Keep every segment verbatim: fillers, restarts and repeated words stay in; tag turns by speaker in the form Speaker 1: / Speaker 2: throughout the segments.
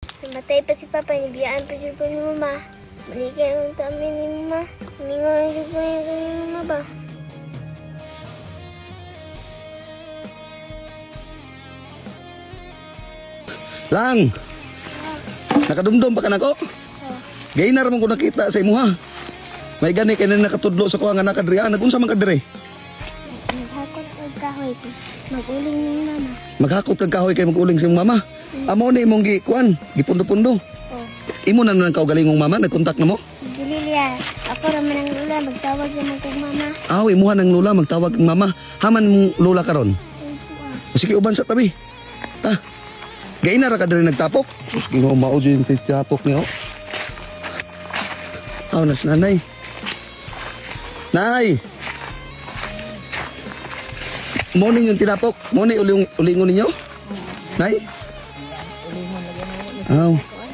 Speaker 1: Namatay pa si Papa, nabiyaan pa siya po ni Mama. Maligay ang kami ni Mama. Mingaw siya po niya kami ni Mama ba?
Speaker 2: Lang! Nakadumdum pa ka na ko? Gay na ramon ko nakita sa imo ha. May gani kay na nakatudlo sa kuha nga nakadriya. Nagunsa man kadire?
Speaker 1: Maghakot ang kahoy ko. Mag-uling ni Mama.
Speaker 2: Maghakot kag kahoy kay mag-uling sa iyong mama. Amo ni imong gi kuan, gipundo-pundo.
Speaker 1: Oh.
Speaker 2: Imo na nang kaugalingong mama, nagkontak na mo?
Speaker 1: Dili liya. Ako raman ang lula. Magtawag naman kong Mama.
Speaker 2: Aw, imuha ng lula magtawag ang mama. Haman mong lula karon.
Speaker 1: Opo ah.
Speaker 2: Sige uban sa tabi. Ta. Gay na ra ka diri nagtapok. Sus Ginoo mao jud yung tapok niyo. Aw nas nanay. Nay. Mo ning yung tinapok. Mo ni uling ulingon ninyo? Nay. Aw.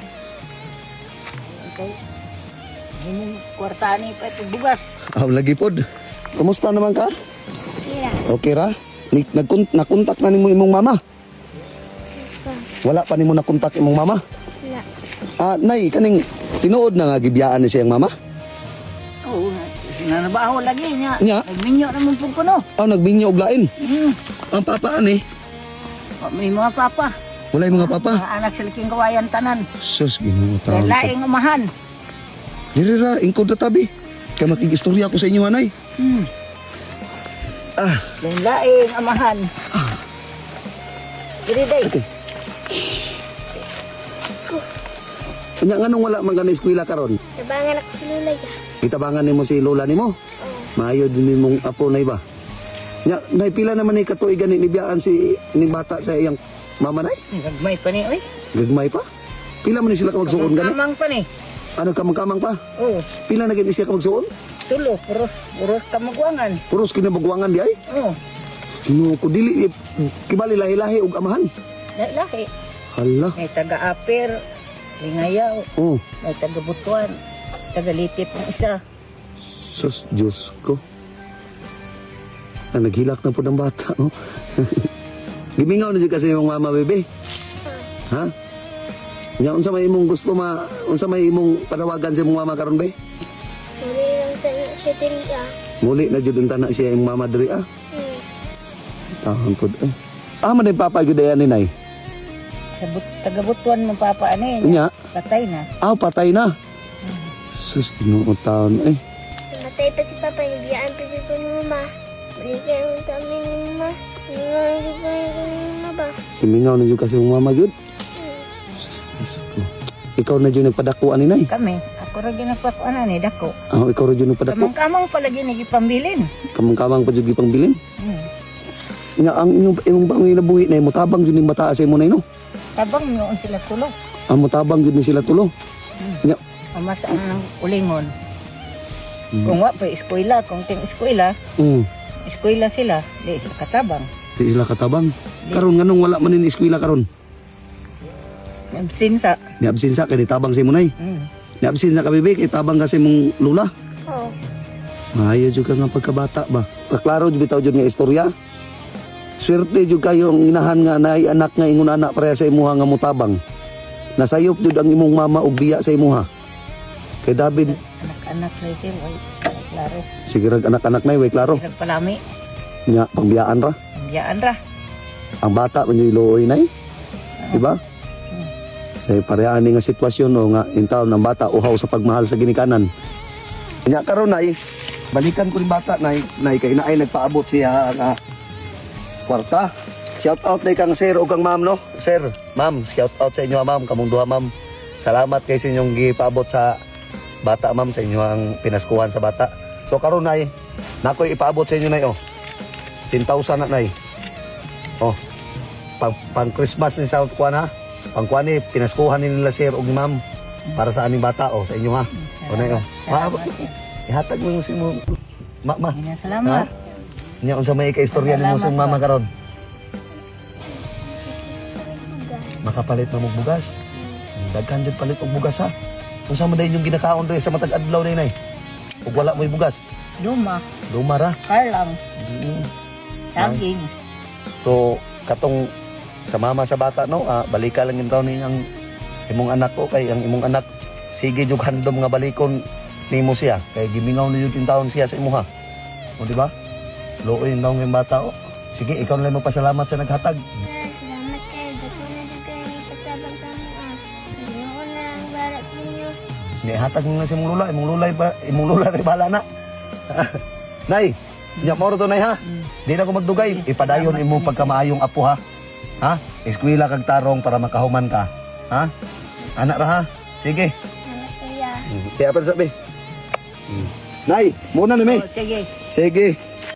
Speaker 3: Himong kwartani pa ito bugas.
Speaker 2: Aw lagi pod. Kumusta naman ka?
Speaker 1: Kira.
Speaker 2: Okay ra? Ni nagkon nakontak na nimo imong mama? Wala pa nimo nakontak imong mama?
Speaker 1: Wala.
Speaker 2: Ah, nay kaning tinuod na nga gibiyaan ni siyang mama?
Speaker 3: Oo, nanabaho lagi niya.
Speaker 2: Nya?
Speaker 3: Nagminyo naman po ko no.
Speaker 2: Aw nagbinyo og lain.
Speaker 3: Hmm.
Speaker 2: Ang papa ani?
Speaker 3: May mga papa.
Speaker 2: Wala yung mga papa.
Speaker 3: Mga anak sa liking kawayan tanan.
Speaker 2: Sus Ginoo
Speaker 3: Kaya
Speaker 2: taon ko.
Speaker 3: laing umahan.
Speaker 2: Diri ra ingkod na tabi. Kaya makigistorya ko sa inyo anay.
Speaker 3: Hmm.
Speaker 2: Ah,
Speaker 3: Kaya laing amahan. Diri day.
Speaker 2: okay. Kanya nganong wala man ka na eskwela karon?
Speaker 1: Tabangan ako si Lula ya.
Speaker 2: Itabangan nimo si lola nimo.
Speaker 1: Oh.
Speaker 2: Maayo din nimong apo nay ba? Nya nay pila naman ni katuig gani nibiyaan si ning bata sa iyang mama nay?
Speaker 3: Nagmay pa ni oy.
Speaker 2: Gagmay pa? Pila man ni sila ka magsuon gani?
Speaker 3: Kamang pa ni.
Speaker 2: Ano kamang-kamang pa?
Speaker 3: Oo.
Speaker 2: Pila na gani siya ka magsuon?
Speaker 3: Tulo, puros, puros kamagwangan.
Speaker 2: Puros kinabagwangan di ay?
Speaker 3: Oo.
Speaker 2: Ginoo ko dili eh, kibali lahi-lahi og amahan.
Speaker 3: Lahi.
Speaker 2: Hala.
Speaker 3: May taga-aper, lingayaw,
Speaker 2: Oh,
Speaker 3: may taga-butuan, taga-litip ng isa.
Speaker 2: sus Diyos ko. Ah, naghilak na po ng bata, no? Gimingaw na dyan kasi yung mama, bebe. Ha? Nya unsa may imong gusto ma, unsa may imong panawagan sa imong mama karon be?
Speaker 1: Muli lang tayo siya diri ah.
Speaker 2: Muli na jud ang tanak siya imong mama diri ah.
Speaker 1: Hmm.
Speaker 2: Tahon pod eh. Ah, man papa gyud ayan ni nay.
Speaker 3: Sa but, taga-butuan mo papa ano eh.
Speaker 2: Nya,
Speaker 3: Patay na.
Speaker 2: ah patay na. Sus Ginoo taon eh.
Speaker 1: Namatay pa si Papa, nabiyaan pa siya po ni Mama. Maligay ang kami ni Mama. Mingaw siya po niya kami ni Mama ba?
Speaker 2: Gimingaw na jud kasi imong mama gyud.
Speaker 1: Hmm.
Speaker 2: Diyos ko. Ikaw na jud nagpadako ani nay.
Speaker 3: Kami, ako rin ginagpakuanan ni Dako.
Speaker 2: Ah, ikaw ra jud nagpadako.
Speaker 3: Kamang-kamang palagi nagipambilin.
Speaker 2: Kamang-kamang pa jud gipangbilin.
Speaker 3: Hmm.
Speaker 2: Nya ang inyong imong bang nabuhi na mutabang jud ning bata sa imo nay no.
Speaker 3: Tabang nyo ang sila tulo.
Speaker 2: Ang mutabang jud ni sila tulo. Nya,
Speaker 3: Amasaan ng ulingon.
Speaker 2: Hmm.
Speaker 3: Kung wa pa eskwela, kung ting eskwela,
Speaker 2: mm,
Speaker 3: eskwela sila, di sila katabang.
Speaker 2: di sila katabang. Karon nganong wala man ni eskwela karon?
Speaker 3: Sinsa.
Speaker 2: Ni absensa kay tabang sa imo nay.
Speaker 3: Hmm.
Speaker 2: Ni absensa ka bebe kay tabang ka sa imong lula.
Speaker 1: Oo.
Speaker 2: Maayo jud ka nga pagkabata ba. Kaklaro jud bitaw jud nga istorya. Swerte jud kayo ang inahan nga naay anak nga ingon anak pareha sa imuha nga mutabang. Nasayop jud ang imong mama og biya sa imuha. Kay David,
Speaker 3: Anak-anak na sila, ay, klaro.
Speaker 2: sige rag anak-anak nay way klaro.
Speaker 3: Hirag palami,
Speaker 2: Nya pangbiyaan ra.
Speaker 3: ang biyaan ra.
Speaker 2: Ang bata man yung iluoy nay. Diba?
Speaker 3: Hmm.
Speaker 2: Sa parehaan ni nga sitwasyon o nga in taon ng bata uhaw sa pagmahal sa ginikanan. Nya karon nay, balikan ko ni bata nay, nay kay naay nagpaabot siya nga kwarta. Shout out nay kang sir o kang ma'am no. Sir, ma'am, shout out sa inyo ma'am, kamong duha ma'am. Salamat kay sa inyong gipaabot sa bata ma'am, sa inyo ang pinaskuhan sa bata. So karon nay, nakoy ipaabot sa inyo nay oh. ten thousand na nay. Oh. Pang, pang Christmas ni sa kuan ha. Pang kuan ni pinaskuhan ni nila sir ug ni ma'am para sa aning bata oh, sa inyo ha. O nay oh. Ma,
Speaker 3: Salamat, sir.
Speaker 2: ihatag mo yung si mo. Ma, ma.
Speaker 3: Ina, salamat.
Speaker 2: Nya unsa may kaistorya nimo sa
Speaker 3: Salamat,
Speaker 2: mama
Speaker 3: pa.
Speaker 2: karon?
Speaker 1: Bugas.
Speaker 2: Makapalit na mong bugas. Daghan jud palit og bugas ha. Unsa man dayon yung ginakaon diri sa matag adlaw nay nay? Ug wala mo'y bugas.
Speaker 3: Luma,
Speaker 2: Lumara.
Speaker 3: karlang,
Speaker 2: Mm.
Speaker 3: saging.
Speaker 2: So katong sa mama sa bata no, ah, balika lang yung taon ang imong anak ko kay ang imong anak sige jug handom nga balikon nimo siya kay gimingaw na jud taon siya sa imuha. O di ba? Luoy daw ng bata o. Sige, ikaw na lang magpasalamat sa naghatag.
Speaker 1: Sir, salamat kayo. Dako na din kayo ipatabang sa mga. Hindi ko na lang bara sa inyo.
Speaker 2: Nihatag mo na si imong lula, imong lula ba, imong lula ray bala na. Nay, nya mo to nay ha. Di na ko magdugay, ipadayon imong pagkamaayong apo ha. Ha? Eskwela kag tarong para makahuman ka. Ha? Anak ra ha. Sige.
Speaker 1: Salamat kuya.
Speaker 2: Kaya pa sabi. Nay, muna na may.
Speaker 3: Oh, sige.
Speaker 2: Sige.